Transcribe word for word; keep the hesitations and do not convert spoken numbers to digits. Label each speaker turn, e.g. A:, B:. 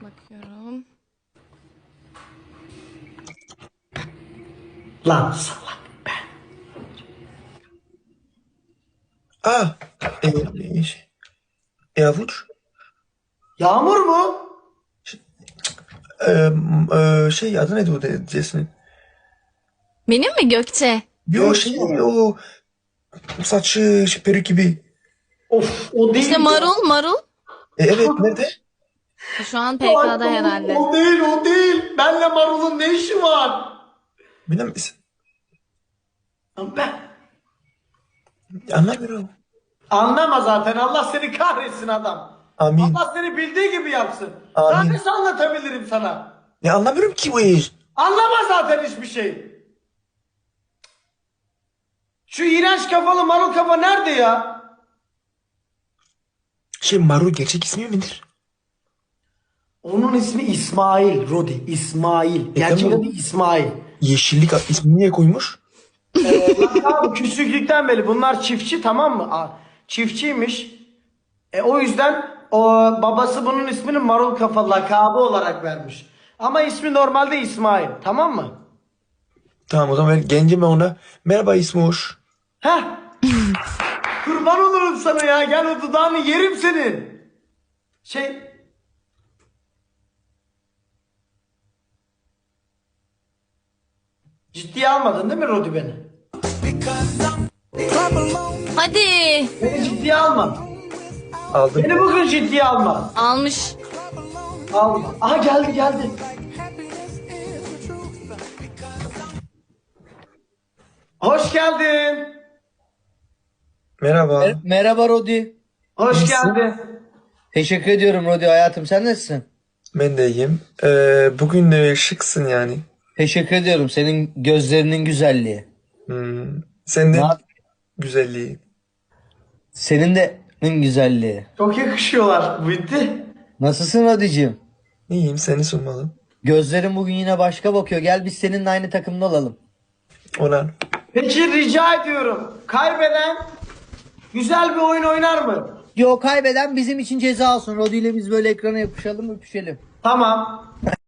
A: Bakıyorum.
B: Lan salak ben.
C: Aa, e, e, şey, e, avuç.
B: Yağmur mu?
C: E, m- e, şey adı neydi o de- Jesse'nin?
A: Benim mi Gökçe?
C: Yo şey o saçı şey, peruk gibi.
B: Of o değil.
A: İşte marul marul.
C: E, evet nerede?
A: Şu an
B: Ay,
A: P K'da herhalde.
B: O değil o değil. Benle marulun ne işi var?
C: Bilir misin?
B: Lan ben.
C: Anlamıyorum.
B: Anlama zaten. Allah seni kahretsin adam.
C: Amin.
B: Allah seni bildiği gibi yapsın.
C: Amin.
B: Daha nasıl anlatabilirim sana?
C: Ne anlamıyorum ki bu iş.
B: Anlama zaten hiçbir şey. Şu iğrenç kafalı marul kafa nerede ya?
C: Şey Maru gerçek ismi midir?
B: Onun ismi İsmail Rodi. İsmail. Gerçek
C: tamam.
B: adı İsmail.
C: Yeşillik ismini niye koymuş?
B: Abi küçüklükten beri bunlar çiftçi, tamam mı? Aa, çiftçiymiş. E, o yüzden o babası bunun ismini marul kafa lakabı olarak vermiş. Ama ismi normalde İsmail, tamam mı?
C: Tamam o zaman ben gencim ben ona. Merhaba İsmoş.
B: Heh. Kurban olurum sana ya. Gel o dudağını yerim senin. Şey ciddiye almadın değil mi Rodi beni?
A: Hadi.
B: Beni ciddiye alma.
C: Aldım.
B: Beni bugün ciddiye alma.
A: Almış.
B: Alma. Aha geldi geldi. Hoş geldin.
C: Merhaba.
D: Mer- Merhaba Rodi.
B: Hoş
C: İyisin.
B: geldin.
D: Teşekkür ediyorum Rodi hayatım. Sen nasılsın?
C: Ben de iyiyim. Ee, bugün e, şıksın yani.
D: Teşekkür ediyorum. Senin gözlerinin güzelliği.
C: Hmm. Sen de
D: Na-
C: güzelliği.
D: Senin de güzelliği.
B: Çok yakışıyorlar. Bitti.
D: Nasılsın Rodi'cim?
C: İyiyim seni sormalı.
D: Gözlerin bugün yine başka bakıyor. Gel biz seninle aynı takımda olalım.
C: Olan.
B: Peki rica ediyorum. Kaybeden güzel bir oyun oynar mı?
D: Yo kaybeden bizim için ceza olsun. Rodi ile biz böyle ekrana yapışalım öpüşelim.
B: Tamam.